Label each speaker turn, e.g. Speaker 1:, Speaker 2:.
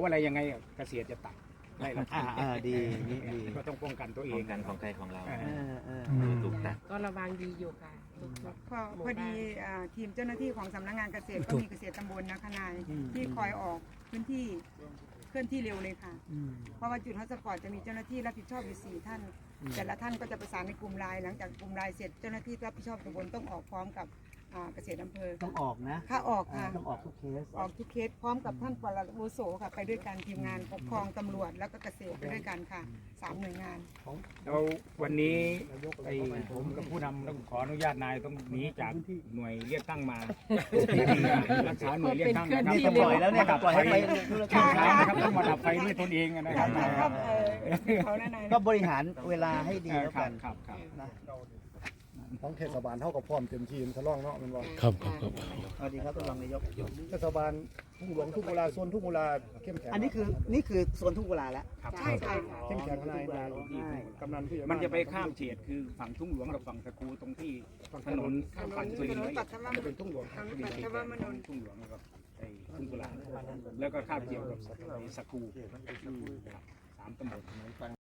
Speaker 1: อะไรยังไงเกษตรจะตัดไล่เรา
Speaker 2: ดีนี่ดี
Speaker 1: ก็ต้องป้องกันตัวเอ
Speaker 3: ป้อง งกันของใครของเรา ถูกตัด
Speaker 4: ก็ระวังดีอยู่ค่ะ
Speaker 5: พอดีทีมเจ้าหน้าที่ของสำนักงานเกษตรก็มีเกษตรตำบลนะคะนายที่คอยออกพื้นที่เคลื่อนที่เร็วเลยค่ะเพราะว่าจุดฮอตสปอตจะมีเจ้าหน้าที่รับผิดชอบอยู่4ท่านแต่ละท่านก็จะประสานในกลุ่มไลน์หลังจากกลุ่มไลน์เสร็จเจ้าหน้าที่รับผิดชอบตำบลต้องออกพร้อมกับเกษตรอำเภอ
Speaker 2: ต้องออกนะ
Speaker 5: ค่ะออกค่ะ
Speaker 2: ต้องออกทุกเคส
Speaker 5: ออกทุกเคสพร้อมกับท่านปลัดอาวุโสค่ะไปด้วยกันทีมงานปกครองตำรวจแล้วก็เกษตรไปด้วยกันค่ะ3 หน่วยงาน
Speaker 1: แล้ววันนี้ผมกับผู้นำต้องขออนุญาตนายต้องหนีจากหน่วยเรียกตั้งมารักษาหน่วยเรียกตั้งนะครับ
Speaker 2: นี่ก็ปล่อยแล้วเนี่ยปล่อยให้ไปธุรกิจ
Speaker 1: นะครับต้องมาดับไฟด้วยตนเองนะครับ
Speaker 5: ครับเขาแน่นอน
Speaker 2: ก็บริหารเวลาให้ดีแล้วกัน
Speaker 1: ครับ
Speaker 2: นะ
Speaker 6: ของเทศบาลเท่ากับพร้อมเต็มทีมทะล่องเนาะมันว่า
Speaker 7: ครับ
Speaker 2: สวัสดีครับท่านรองนายก
Speaker 6: เทศบาลทุ่งหลวงทุ่งกุลาโซนทุ่งกุลาเข้มแข็ง
Speaker 2: อันนี้คือโซนทุ่งกุลาแล้ว
Speaker 5: ใช่ค่ะ
Speaker 6: เข้มแข็งนายกำนันผู้ใหญ่
Speaker 1: มันจะไปข้ามเฉดคือฝั่งทุ่งหลวงกับฝั่งตะกูตรงที่ถนนฝั่งสุรินทร์
Speaker 5: ปัตตานี
Speaker 1: จะเป็นทุ่งหลวง
Speaker 5: ปัตตามานนท์
Speaker 1: ทุ่งหลวงกับทุ่งกุลาแล้วก็ข้ามเกี่ยวกับสักกู3 ตำบล